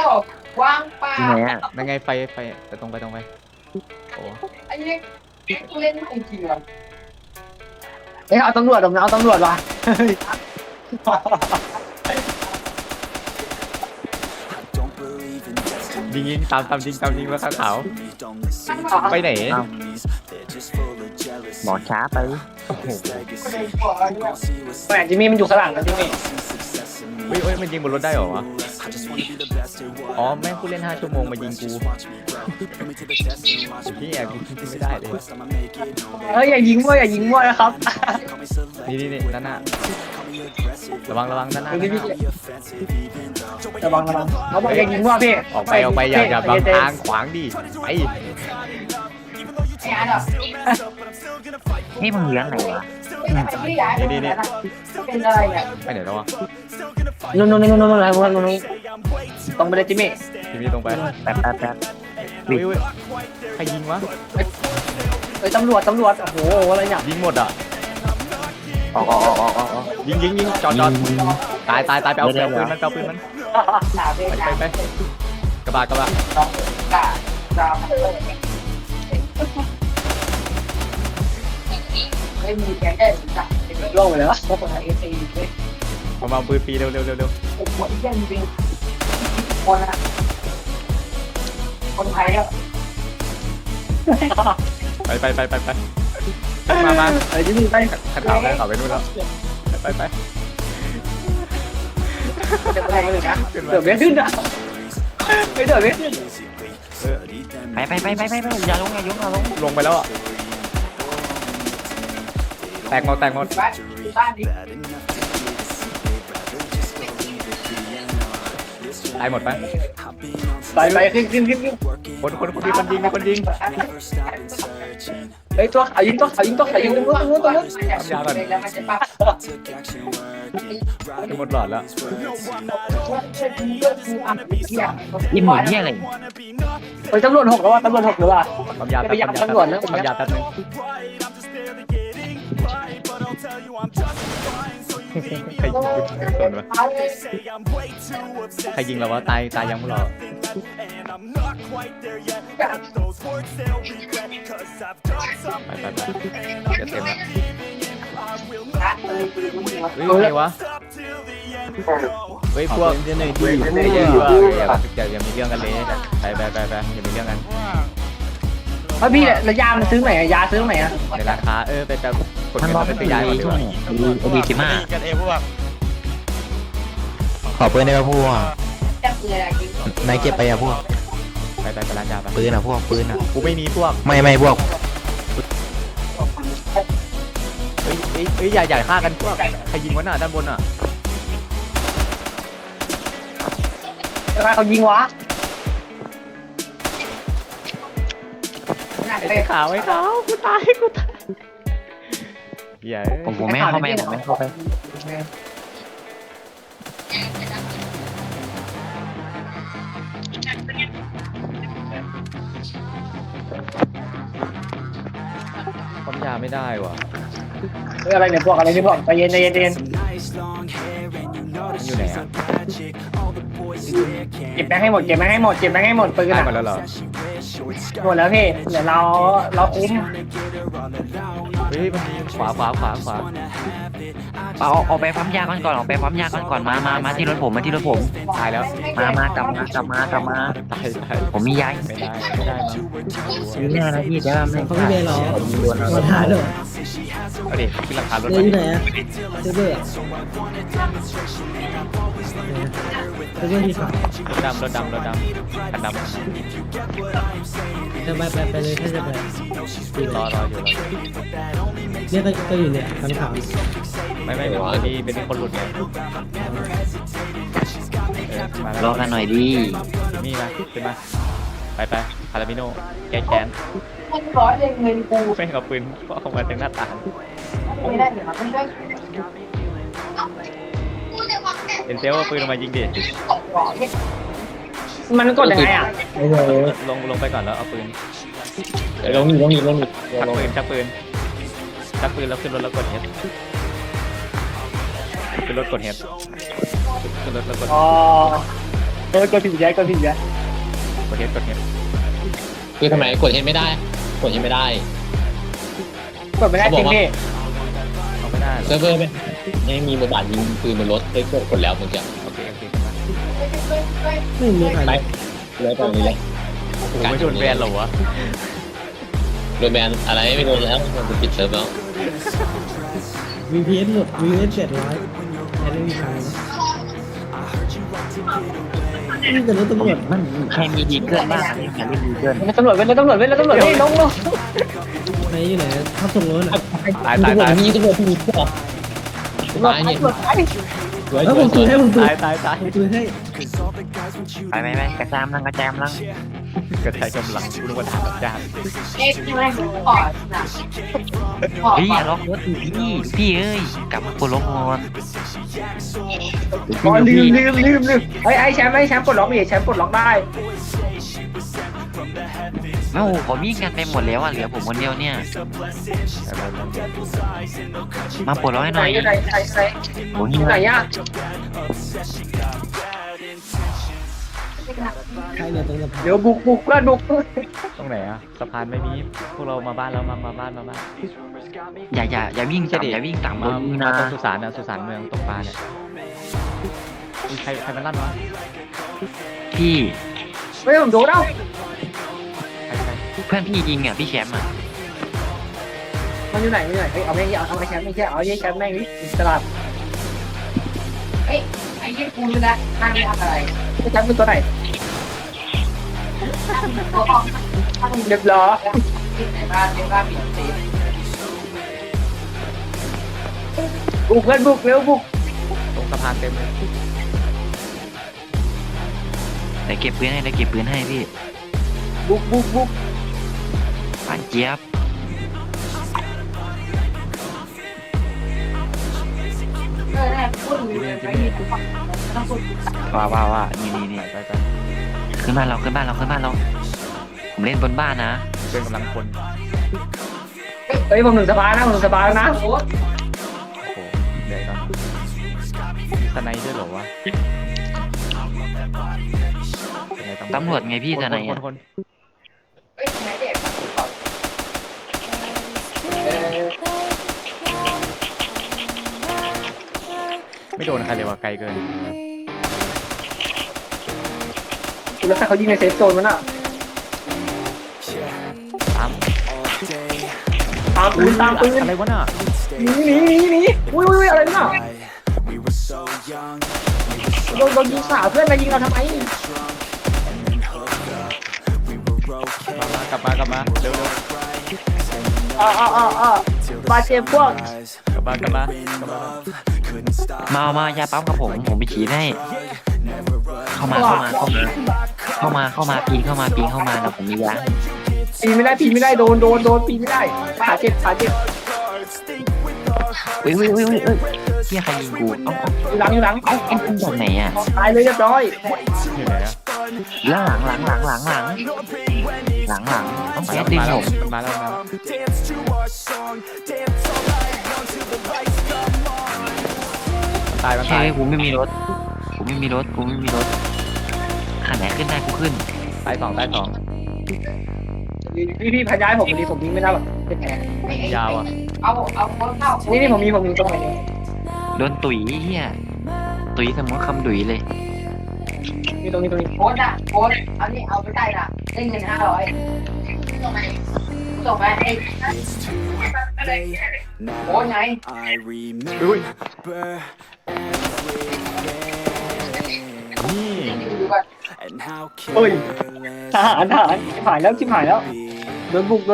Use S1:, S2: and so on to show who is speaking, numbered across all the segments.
S1: ว่างเปล่า
S2: ที่ไหนอ่ะ
S3: นั่นไงไฟไปตรงไปโอ้
S1: ไอ้เนี้ยกูเล่นไม่จริงหรอ
S4: เอ้ยเอาตำรวจเอาตำรวจว่ะ
S3: ยิงตามยิงว่าขาวไปไหน
S2: หมอช้าไป
S3: โอ้โห
S4: แหมจิมมี่มันอยู่ข้างหลังนะจิมมี่
S3: เฮ้ยมันยิงบนรถได้เหรอวะอ๋อแม่งกูเล่น5 ชั่วโมงมายิงกูพี่แอบยิงไม่ได้เลย
S4: เฮ้ยอย่ายิงมั่วนะครับ
S3: นี่ด้านหน้าระวังด้านหน้า
S4: ระวังเขาบอกอย่ายิงมั่วพี่
S3: ออกไปอย่าบังทางขวางดิไอ้
S1: ไอ้อันอ่ะ
S2: นี่มึงเลี้ยงไหนวะ
S1: นี่เป็นอะไรเนี่ย
S3: ไปไหนแล้ววะ
S4: นู่นตรงไปเลยจิมมี่
S3: พี่ตรงไป
S2: แป๊บ
S3: เฮ้ยใครยิงวะ
S4: เฮ้ยตำรวจโอ้โหอะไรเนี่ย
S3: ยิงหมดอ่ะ
S2: ออก
S3: ยิงจอดตายไปเอาปืนมันไปกระบะ
S1: กะจามไม่มีแกได้จับ
S4: ล่วงไปเลยวะ
S1: พวกคนไอ้ตีเลย
S3: มาปืนปีเร็ว
S1: โอ้โหไอ้เรื่องจริงคนอะคนไทยอะ
S3: ไปมา
S4: ไอ้จิมมี่ไป
S3: ขัดขาวได้ขาวไปนู่นแล้วไป
S4: จะไปเลยนะเดือดไม่ขึ้นอ่ะไม่เดือดไม่ขึ้น
S2: ไปอย่าลง
S3: ลงไปแล้วอ่ะแตกหมด
S1: บ้านนี้
S3: ตายหมดไป
S4: ไปขึ้น
S3: คนยิงมีคนยิง
S4: เฮ้ยตัวเขายิงตรงนู้น
S3: ยาก่อนหมดหลอดแล้ว
S2: อีหมูเนี่ยอะไร
S4: เฮ้ยตำรวจ6แล้วว่ะตำรวจ6หรือว่า
S3: ปั๊มยา
S4: ไปยับตำรวจนะ
S3: ปั๊มยาแป๊บนึงใครยิงเราวะตายยังพวกเราไปจะเต็มแล้วเฮ้ยไงวะเฮ้ยพวกอย่ามีเรื่องกันเลยไปอย่ามีเรื่องกัน
S4: เฮ้ยพี่แล้วยามันซื้อไหนยาซื้อไหนอ่ะ
S3: ในร้านค้าไปกด
S2: มัน
S3: เงิน
S2: บอก
S3: ไป
S2: ไม่
S3: ซื้อยา
S2: ดี
S3: ก่อนดีก
S2: ช่วง
S3: ว่า
S2: นี้OB15
S5: กันเองพวก
S6: ขอปืนได้ป่ะพวก
S1: จะเกลือจริง
S6: นายเก็บไปอ่ะพวก
S3: ไปร้านยาไป
S6: ปืนอ่ะพวกปืนอ่ะ
S3: กูไม่มีพวก
S6: ไม่พวก
S3: เฮ้ยอย่าฆ่ากันพวกใครยิงวะน่ะด้านบนอ่ะ
S4: เขายิงวะ
S3: ไอ้ขาวกูตายเหี้ย
S2: ผมไม่เข้าไป
S3: ปั๊มยาไม่ได้ว่ะ
S4: เฮ้ยอะไรเนี่ยพวกใจเย็น
S3: มันอยู่ไหนอ่ะ
S4: เก็บแบงค์ให้หมดปืน
S3: ตาย
S4: อ่ะ
S3: หมดแล้วเหรอ
S4: หมดแล้วพี่เดี๋ยวเราคุ้ม
S3: เฮ้ยมันมีขวา
S2: เอาไปปั๊มยาก่อนออกไปปั๊มยาก่อนมาที่รถผม
S3: ตายแล้ว
S2: มากลับมา
S3: ตาย
S2: ผมมียา
S3: ไม่ได้มั้ง
S2: ซื้อแน่นะพี่แต่ว่าไม่
S7: เขาไม่เป็นหรอ
S2: โดน
S7: มาท้าเด้อ
S3: เอาดิขึ้นราคารถ
S7: เดี๋ยวอยู่ไหนอะเซเบอร์เซเบอร์ที่ขาย
S3: รถดำคันดำ
S7: จะไปเลยถ้าจะไป
S3: รออยู่
S7: เนี่ยก็อยู่เนี่ยคันขาว
S3: ไม่เป็นคนหลุดไงมาร
S2: อกันหน่อยดิ
S3: นี่มาขึ้นมาไปคาราบิโนแก้แค้น
S1: มันร้อยเงินกู
S3: แม่งเอาปืนออกมาจากหน้าต่าง
S1: ไม่ได้เดี๋ยวมันได้
S3: เป็นเซลเอาปืนออกมายิงดิ
S4: มันกดยังไงอ่ะ
S7: โอ้โห
S3: ลงไปก่อนแล้วเอาปืน
S4: ลงอีก
S3: ชักปืนแล้วขึ้นรถแล้วกดเฮดขึ้นรถกดเฮดขึ้นรถแล้วกด
S4: อ๋อกดผิดแย่กดผิดแย่
S3: กดเทสกดเทส
S5: คือทำไมกดเห็นไม่ได้กดเห็นไม่ได้
S4: กดไม่ได้จริงดิ
S3: เอาไม่ได้หรอ
S5: เซิร์ฟเวอร์ไม่มีบทบาทยิงปืนบนรถได้กดแล้วเมื่อกี้
S3: โอเคโอเค
S7: ไม่มีใคร
S5: ไปเลยตรงนี้เลย
S3: โอ้โหไม่โดนแบนเหรอวะ
S5: โดนแบนอะไรไม่โดนแล้วมันปิดเซิร์ฟแล้ว
S7: VPN หมด VPN 700ไม่มีใครนี่แต่รถตำรวจ
S2: มันใครมีดีเกินบ้างใครเล่นดีเกิน
S4: แล้วตำรวจเว้ยแล้วตำรวจเว้ยแล้วตำรวจเฮ้ยลง
S7: ไหนอยู่ไหนทับส่งรถอ่ะ
S3: ตายตายตาย
S5: มีตำรวจมีก็
S4: ตำรวจ
S5: ตายเนี่ย
S4: ตำรวจไป
S5: สวย
S7: แล้ว
S5: ส
S7: ผ
S5: วย
S7: ม
S5: ส
S7: ตุ
S5: วย ย
S7: ให้ผมตุ
S3: ตายตายตาย
S7: ตุยให้
S2: ไปกระจามลังกระจามลัง
S3: กระจายกำลังกูรู้ว่าทำจ้าง
S1: เอ๊ะที่ไม่ขอนะขอ
S2: เฮ้ยอย่าล็อกรถพี่เอ้ยกลับมาปลดล็อกก่อน
S4: อ๋อลืมไอ้แชมป์ปลดล็อกดิแชมป์ปลดล็อกได้
S2: โอ้โหเขาวิ่งกันไปหมดแล้วอ่ะเหลือผมคนเดียวเนี่ยมาปลดล็อกให้ห
S4: ไหน
S2: น่อย
S4: ไหน
S2: โอ้ย
S4: ไหนอ่ะ
S7: ใครเนี่ยตรงสะพาน
S4: เดี๋ยวบุกเพื่อนบุก
S3: ตรงไหนอะสะพานไม่มีพวกเรามาบ้านเรามาบ้าน
S2: อย่าวิ่งต่ำอย่าวิ่งต่ำ
S3: มา
S2: นะ
S3: ตรงสุสานนะสุสานเมืองตกปลาเนี่ยใครมันลั่นวะ
S2: พี่
S4: ไม่ผมโดนแล้ว
S3: ใคร
S2: เพื่อนพี่ยิงอ่ะพี่แชมป์อ่ะ
S4: มันอยู่ไหนเฮ้ยเอาแม่งเอาไอ้แชมป์ไม่ใช่เอาไอ้แชมป์แม่งนี่ตลาด
S1: เอ้ยไอ้ยี่กูรู้แล้วมันทำอะไร
S4: ไอ้แชมป์เป็นตัวไหน
S1: ตัวออกถ้ามึง
S4: เรียบร้อย
S1: ที่ไหนบ้านเรียกว่าปิดเซฟ
S4: บุกเพื่อนบุกเร็วบุก
S3: ตรงสะพานเต็มเลย
S2: เดี๋ยวเก็บปืนให้พี่
S4: บุก
S2: ปานเจี๊ยบ
S1: แน่พูดเลยไม่มีต้องพูด
S2: ว่านี่
S3: ไป
S2: ขึ้นบ้านเราผมเล่นบนบ้านนะ
S3: เป็นกำลังคน
S4: เฮ้ยผมถึงสบายนะผมถึงสบายแล้วนะ
S3: โอ้โหเดี๋ยวก่อนสไนด้วยเหรอวะ
S2: ตำรวจไงพี่จะไหนอ่ะ
S3: คน
S1: เฮ้ยไหนเด็ก
S3: ไม่โดนใครเลยวะไกลเกิน
S4: แล้วถ้าเขายิงในเซฟโซนมันอ่ะ
S3: ตาม
S4: ตามปืน
S3: อะไรวะน่ะ
S4: หนีอุ้ยอะไรน่ะโดนยิงขาเพื่อนมายิงเราทำไม
S3: กลับมาเร็ว
S4: บาดเจ็บพวก
S3: กลับมา
S2: มายาปั๊มกับผมไปฉีดให้เข้ามาปีนเข้ามาแล้วผมมียา
S4: ปีไม่ได้โดนปีไม่ได้ขาเจ็บ
S2: เฮ้ยเฮียใครยิงกูเอ้า
S4: อยู่หลัง
S2: เอ้าเอ็นจากไหนอ่ะ
S4: ตายเลยเรียบร้อย
S3: อยู่ไหนอะ
S2: หลังต้องแก๊สดึงผม
S3: มาแล้วตาย
S2: ใช่กูไม่มีรถขันไหนขึ้นได้กูขึ้น
S3: ตายสอง
S4: พี่พยายผมดีผมยิงไม่ได้หรอกเป็นแผล
S3: ยาวอ่ะ
S1: เอาคนเข้า
S4: นี่ผมมีตรงไหน
S2: โดนตุ๋ยเฮียตุ๋ยสมมติคำดุยเลย
S4: นี่ตรงนี้
S1: โค้ดอ่ะโค้ดเอานี่เอาไปได้ละได้เงิน500ส่งไปไอ้โค้ดไง
S3: อุ้ยนี่
S1: ดูก่อน
S4: เฮ้ยทหารชิบหายแล้วโดนบุก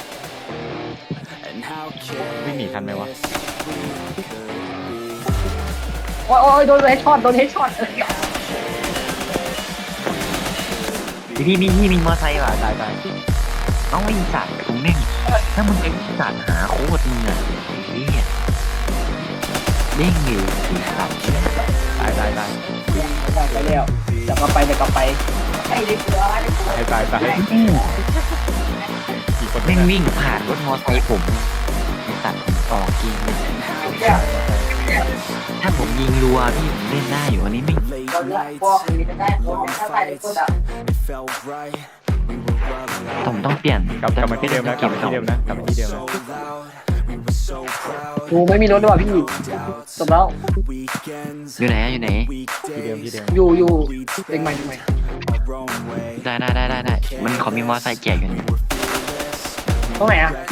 S3: วิ่งหนีทันไหมวะ
S4: โอ้ยโดนเฮดช็อต
S2: พี่มีมอไซค์ว่ะ
S3: ตาย
S2: เอ้าไอ้สัตว์ผมแม่งถ้ามึงเป็นสัตว์หาโคตรมึงอ่ะไอ้เหี้ยเด้งอยู่ไอ้สัตว์
S3: ตาย
S4: ไปแล้วจะกลับไป
S1: ไอ้เด็กเหลือ
S3: ตายกี่คน
S2: แม่งวิ่งผ่านรถมอไซค์ผมไอ้สัตว์ผมออกเกมเลยถ้าผมยิงรัวพี่ผมเล่นได้อยู่อันนี้ไม่
S1: เลือกพวกนี้จะได้คนถ้าใส่ในตัวแบบ
S2: ผมต้องเปลี่ยน
S3: กลับมาที่เดิมนะกลับมาที่เดิมนะกลับมาที่เดิมนะ
S4: กูไม่มีรถด้วยว่ะพี่จบแล้ว
S2: อยู่ไหนอยู่ไหน
S3: ที่เดิมที่เดิม
S4: อยู่เด็กใหม่
S2: ได้มันขอมีมอไซค์แจกอยู่นี่
S4: ตรงไหนอ่ะ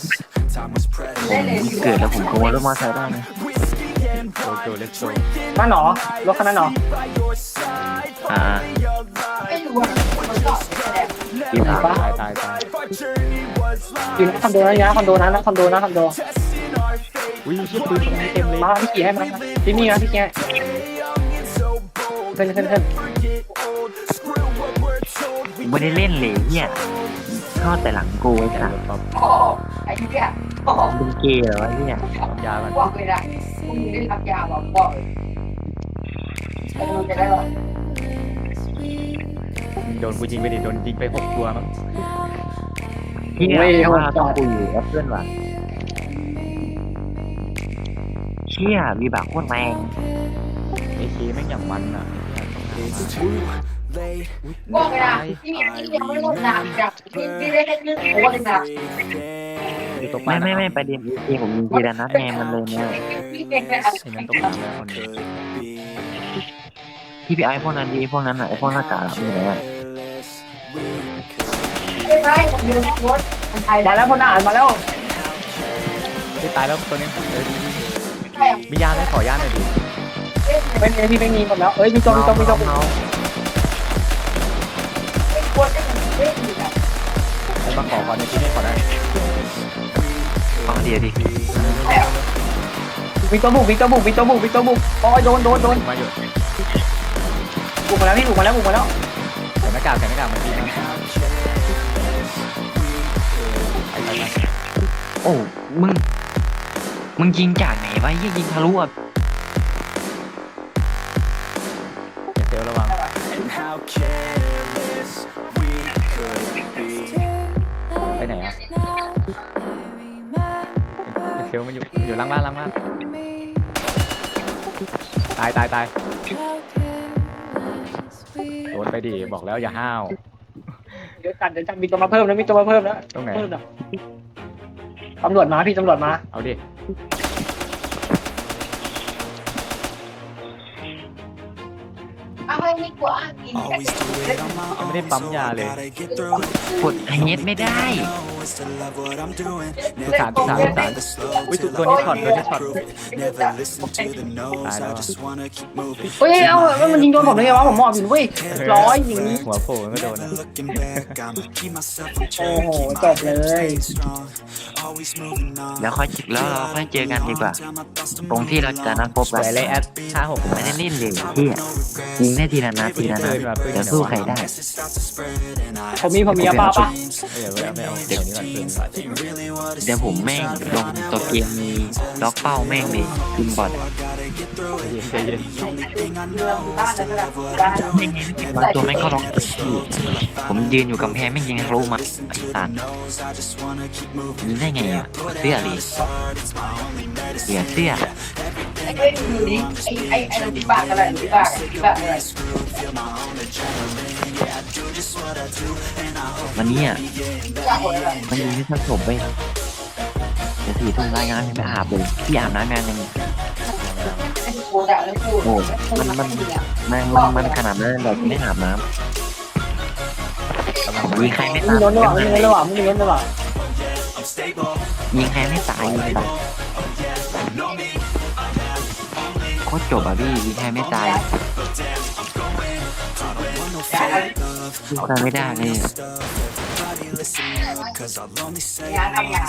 S2: เกิดแล้วผมขโมยรถมอไซค์ได้นะ
S3: โจเลสโจ
S4: บ้านหนอรถคันนั้นหนอ
S2: อ่า
S1: ไม่รู้ว่ามันก็แสดง
S2: พี่ถาม
S3: ตาย
S4: อยู่ในคอนโดนะคอนโดนะคอนโด
S3: อุ้ยชิบปืนตรงนี้เต็มเลย
S4: มาพี่ขี่ให้มาพี่มีนะพี่แกขึ้น
S2: ไม่ได้เล่นเลยเนี่ยทอดแต่หลังกูไอ้สัส
S1: โอ้ไอ้ที่เนี่ยโอ้
S2: เป็นเกย์เหรอวะเนี่ย
S3: ปั๊มยามัน
S1: บอกเลยนะพวกมึงได้รับยาบอกบอกเลยแล้วมึงจะได้หรอ
S3: โดนกูยิงไปดิโดนยิงไป6 ตัวมั้ง
S2: เฮียว่าต้องกูอยู่กับเพื่อนว่ะเชี่ยมีบากโคตรแรง
S3: ไอเคแม่งอย่างมันอ่ะ
S1: บอกเลยนะที่มีที่ยังไม่ลดน้ำจากที่ได้แค่นึงโอ้เลยนะ
S3: อยู่ตก
S2: ไม่ประเด็นเอผมมีทีละนัดแงมันเลยเนี่ย
S1: พี่เก่งเลย
S3: ไอ้นั่นตกน้ำแล้วคนนึง
S2: พี่ไอพวกนั้นดีพวกนั้นไอพวกหน้ากากมีไหนอ่ะ
S1: ไม่ใช่ผมยืนรถมันไทย
S4: มาแล้วพลทหารมาแล้ว
S3: ที่ตายแล้วตัวนี้
S1: ใช่
S3: มียาไหมขอยาหน่อยดิ
S4: ไม่มีพี่ไม่มีหมดแล้วเอ้ยมีตัว
S1: ควรจะเป็นเรื่องอยู่นะ
S3: ไอ้มาขอก่อนในที่นี่ขอได้
S2: ฟังเดียวดิ
S4: มีตัวบุกโอ้ยโดน
S3: มาอยู่
S4: บุกมาแล้วพี่บุกมาแล้ว
S3: ใส่หน้ากากมันดีนะไป
S2: โอ้มึงยิงจากไหนวะยิงทะลุอ่ะ
S3: เดี๋ยวระวังไปไหนอ่ะเชลมันอยู่ล่างบ้านตายโดนไปดิบอกแล้วอย่าห้าว
S4: เดี๋ยวจัดมีตัวมาเพิ่มนะ
S3: ตรงไหน
S4: ตำรวจมาพี่ตำรวจมา
S3: เอาดิ
S1: เอาให้ไม่กลัวกิน
S3: ยังไม่ได้ปั๊มยาเลย
S2: กดเฮดไม่ได้
S3: ทุกฐานอุ้ยตัวนี้ช็อตตายแล้ว
S4: เฮ้ยเอ้ามันยิงโดนผมได้ไงวะผมมอบอยู่เว้ยร้อยอย่างนี้
S3: หัวโผล่มันก็โดนนะ
S4: โอ้โหจบเลย
S2: แล้วค่อยเราค่อยเจอกันดีกว่า ตรงที่เราจะนัดพบ
S3: ส
S2: กัน
S3: วยเลยแอด56
S2: ผมไม่ได้เล่นเลยพี่ยิงได้ทีละนัดจะสู้ใครได้
S4: ผมมียาบ้าปะ
S3: ไม่เอาเดี๋ยวนี้ก่อนเพื่อน
S2: เดี๋ยวผมแม่งลงตัวเกมมีล็อกเป้าแม่งเลยยิงบอล
S3: ใจเย็น
S1: เรื่องบ้านแล้วก็บ้าน
S2: บางตัวแม่งก็ล็อกพี่ผมยืนอยู่กำแพงแม่งยิงทะลุมาไอ้สัตว์ยิงได้ไงอ่ะเสื้อดิเสื้อ
S1: ไอ้ดูดิไอ้เราที่บ้านอะไรที่บ้านอะไร
S2: วันนี้อ่ะ
S1: บ้านอะไร
S2: มันยิงที่ทับผมไปเดี๋ยว4 ทุ่มรายงานไปอาบเลยพี่อาบน้ำงานยัง
S1: ไอ้โคดะแล้วกู
S2: โอ้มันขนาดนั้นแบบไม่อาบน้ำยิงใครไม่
S4: มี
S2: ตาย
S4: ล้นระหว่าง
S2: ยิงใครไม่ตายยิงแบบโคตรจบอ่ะพี่ยิงใครไม่ตายยิงใครไม่ได้เลย
S1: ยาทำยา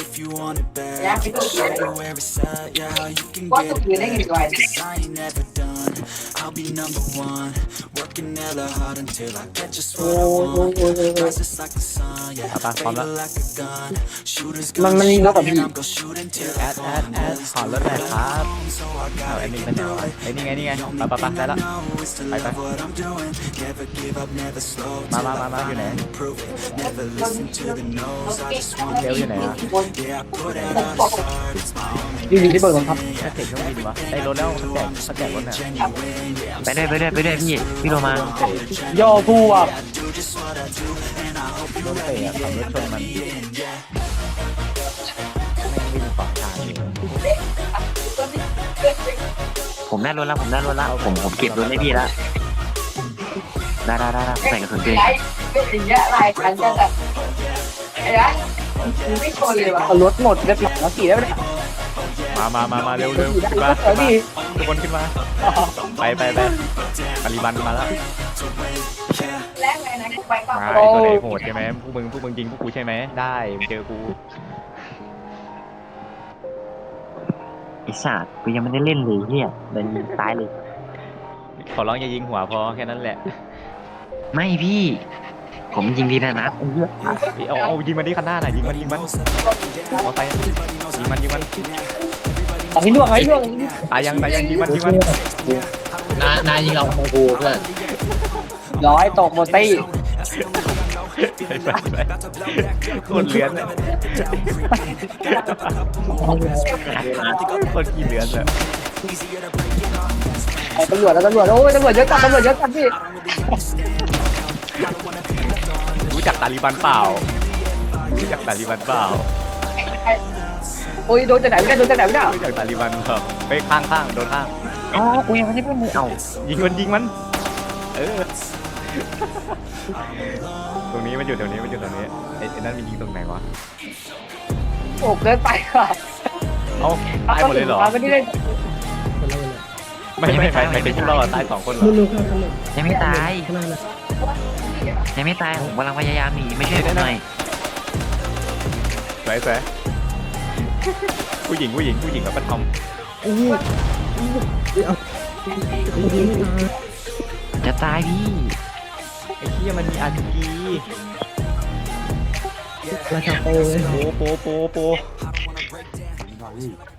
S1: ไปตัวเดียวว่าตัวเดียวได้เงินด้วย
S8: I'll be number one, working hella hard until I get just what I
S4: โอ้ย
S8: want.
S4: โอ้ยโอ้ยโอ้ย
S8: Rise just like the sun, yeah.
S3: เอาปะพร้อมแล้ว
S8: Like a gun, shooters
S4: มัน
S8: gonna
S4: มันยิง
S8: shoot
S4: นกกับ
S8: and
S4: พี่
S8: I'm gonna shoot until
S3: แอดขอรถหน่อยครับเอาไอ้นี่เป็นไหนวะไอ้นี่ไงนี่ไงไปได้ละ
S8: know is to love what I'm doing. Never give up, never slow till I
S3: มาอยู่ไหน
S8: prove it. Never listen to the no's. I just wanna
S3: เร็วอยู่ไหนอ่ะ
S8: yeah, I put it on the start. It's my only
S4: อยู่ที่เบิร์ดครับ
S3: แค่เสร็จเครื่องบินวะได้รถแล้วเขาแจกรถเนี่ย
S2: ไปด้วยพี่โรมา
S4: โยกูอ่ะ
S3: โดนเตะอะขับรถชนมันแม่งวิ่งขวางทางอยู่
S2: ผมได้รถแล้วผมเก็บรถให้พี่แล้วได้ใส่กระสุนเก
S1: ไอ้เป็นอย่างเงี้ยลายคันจะแบบไอ้ยันไม่ชนเลยว่ะ
S4: เอารถหมดเรียบร้อยแล้วขี่ได้ไหมเนี่ย
S3: มาเร็วขึ้นมา
S4: เดี๋ยวดิ
S3: ทุกคนขึ้นมาไปปริบันมาแล้ว
S1: แรกเลยนะไปก่อน
S3: มาไอ้ตัวไหนโหดใช่ไหมพวกมึงยิงพวกกูใช่ไหมได้เจอกู
S2: ไอ้สัตว์กูยังไม่ได้เล่นเลยเฮียเดินยิงตายเลย
S3: ขอร้องอย่ายิงหัวพอแค่นั้นแหละ
S2: ไม่พี่ ผมยิงดีนะนัด
S3: เอายิงมันที่ข้างหน้าหน่อยยิงมันเอาไปยิงมัน
S4: เอาให้ล่วง
S3: ตายยังยิงมัน
S5: นายยิงเราของกูเพื่อน
S4: ร้อยตกหมดตี้
S3: ไปโคตรเลือนเลยโคตรขี้เลือนเลย
S4: ตำรวจโอ้ยตำรวจเยอะจัดพี่
S3: รู้จักตาลีบันเปล่า
S4: โอ้ยโดนจากไหนไม่ได้
S3: รู้จักตาลีบันเปล่าไปข้างโดนข้าง
S2: อ๋อกูยังไม่ได้เล่นเลยเอา
S3: ยิงมันตรงนี้มันอยู่แถวนี้ไอ้นั่นมันยิงตรงไหนวะ
S4: โอ้เกินไปค่ะ
S3: เอาตายหมดเลยเหรอ
S4: ไม่ได้เล่น
S7: คนละเลย
S3: ไม่เป็นพวกเราตาย2 คนเหรอ
S7: ลูกครับลูก
S2: ยังไม่ตาย
S7: ข้างหน้านะ
S2: ผมกำลังพยายามหนีไม่ใช่วยผมหน่อย
S3: สวยผู้หญิงแล้วก็ท
S7: โอ้โหเอายิงไม่ตาย
S2: จะตายพี่
S3: ำไอ้เหี้ยมันมี RPG
S7: ราชาโปเลย
S3: โป